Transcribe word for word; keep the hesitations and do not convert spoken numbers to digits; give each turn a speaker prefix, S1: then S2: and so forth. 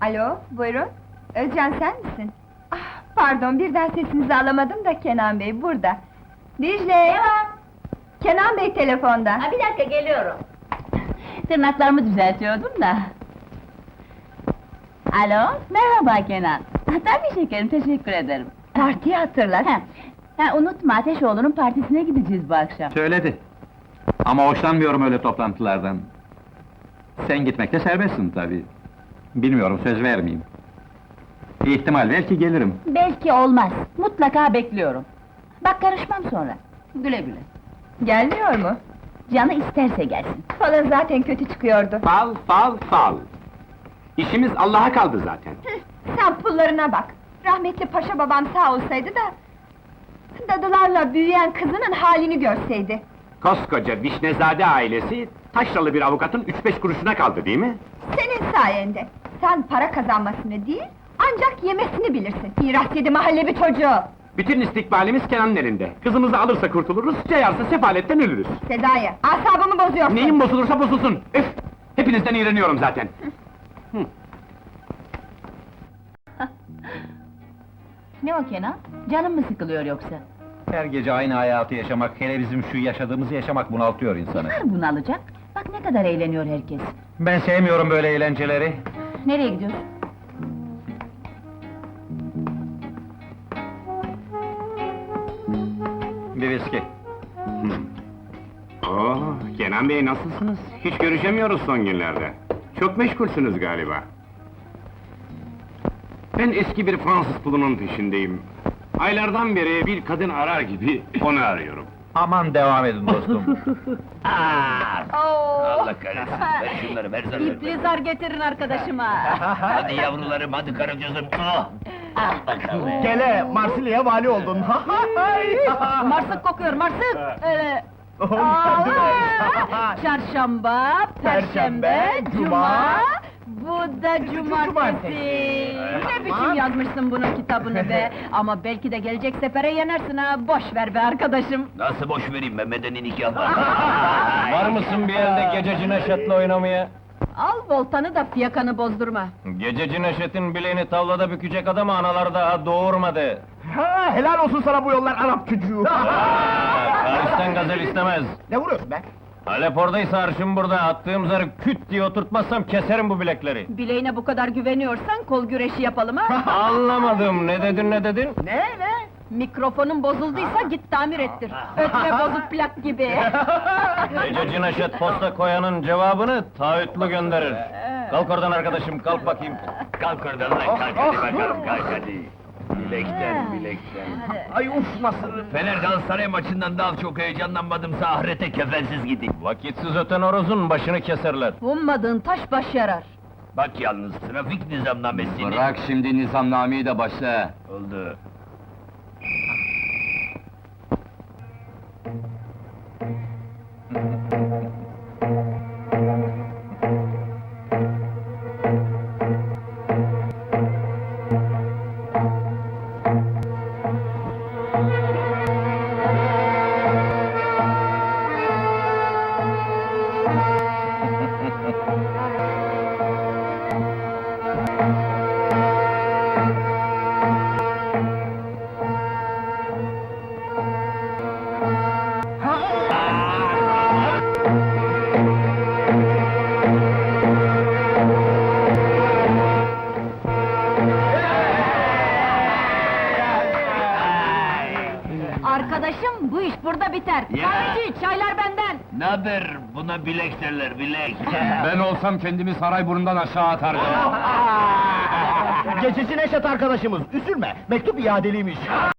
S1: Alo, buyurun. Özcan sen misin? Ah, pardon, birden sesinizi alamadım da Kenan Bey burada. Dicle! Kenan Bey telefonda.
S2: Ha, bir dakika, geliyorum. Tırnaklarımı düzeltiyordum da. Alo, merhaba Kenan. Ha, tabii şekerim, teşekkür ederim.
S1: Partiyi hatırlat.
S2: Ha, ha, unutma, Ateşoğlu'nun partisine gideceğiz bu akşam.
S3: Söyledi. Ama hoşlanmıyorum öyle toplantılardan. Sen gitmekte serbestsin tabii. Bilmiyorum, söz vermeyeyim. Bir ihtimal ver ki gelirim.
S2: Belki olmaz, mutlaka bekliyorum. Bak karışmam sonra. Güle güle.
S1: Gelmiyor mu?
S2: Canı isterse gelsin.
S1: Falan zaten kötü çıkıyordu.
S4: Fal, fal, fal! İşimiz Allah'a kaldı zaten.
S1: Hıh, sen pullarına bak! Rahmetli paşa babam sağ olsaydı da... ...dadılarla büyüyen kızının halini görseydi.
S4: Koskoca Vişnezade ailesi, taşralı bir avukatın üç beş kuruşuna kaldı değil mi?
S1: Senin sayende! Sen para kazanmasını değil, ancak yemesini bilirsin! Miras yedi mahalle bir çocuğu!
S4: Bütün istikbalimiz Kenan'ın elinde. Kızımızı alırsa kurtuluruz, cayarsa sefaletten ölürüz.
S1: Sezai, asabımı bozuyorsun!
S4: Neyin bozulursa bozulsun! Üf! Hepinizden iğreniyorum zaten!
S2: Ne o Kenan? Canın mı sıkılıyor yoksa?
S3: Her gece aynı hayatı yaşamak, hele bizim şu yaşadığımızı yaşamak bunaltıyor insanı.
S2: Var bunalacak. Bak ne kadar eğleniyor herkes.
S3: Ben sevmiyorum böyle eğlenceleri.
S2: Nereye gidiyorsun?
S3: Bir viski.
S4: Oo, Kenan Bey nasılsınız? Hiç görüşemiyoruz son günlerde. Çok meşgulsünüz galiba. Ben eski bir Fransız pulunun peşindeyim. Aylardan beri bir kadın arar gibi onu arıyorum.
S3: Aman devam edin dostum.
S5: Allah kahretsin, ver şunları, ver zarları.
S2: İpli zar getirin arkadaşıma.
S5: Hadi yavrularım, hadi karıcığızım. Ah! Al bakalım.
S6: Gele, Marsilya'ya vali oldun.
S2: Marsık kokuyor, marsık! Öyle...
S6: Oh,
S2: Aa,
S6: değil mi?
S2: Çarşamba, perşembe, cuma... Bu da cumartesi!
S6: cumartesi.
S2: Ne biçim yazmışsın bunun kitabını be! Ama belki de gelecek sefere yenersin ha! Boş ver be arkadaşım!
S5: Nasıl boş vereyim be, medeni nikah var.
S3: Var mısın bir yerde gececi Neşet'le oynamaya?
S2: Al voltanı da fiyakanı bozdurma!
S3: Gececi Neşet'in bileğini tavlada bükecek adamı analar daha doğurmadı.
S6: Ha, helal olsun sana bu yollar Arap çocuğu.
S3: Paris'ten gazel istemez.
S6: Ne vuruyorsun be?
S3: Alep oradaysa arşım burada, attığım zarı küt diye oturtmazsam keserim bu bilekleri.
S2: Bileğine bu kadar güveniyorsan kol güreşi yapalım ha!
S3: Anlamadım, ne dedin ne dedin?
S2: Ne ne? Mikrofonun bozulduysa git tamir ettir! Ötme bozuk plak gibi!
S3: Gececi Neşet posta koyanın cevabını taahhütlü gönderir. Kalk oradan arkadaşım, kalk bakayım.
S5: Kalk oradan lan, kalk hadi bakalım, kalk hadi. Bilekten, bilekten.
S6: Ay uf nasıl?
S5: Fener Galatasaray maçından daha çok heyecanlanmadımsa ahirete kefensiz gideyim.
S3: Vakitsiz öten horozun başını keserler.
S2: Ummadığın taş baş yarar!
S5: Bak yalnız, trafik nizamnamesini...
S3: Bırak şimdi nizamnameyi de başla.
S5: Oldu.
S2: Arkadaşım, bu iş burada biter!
S5: Ya!
S2: Kahveci, çaylar benden!
S5: Naber, buna bilek derler, bilek.
S3: Ben olsam kendimi Sarayburnu'ndan aşağı atardım.
S6: Gececi Neşet arkadaşımız, üzülme, mektup iadeliymiş.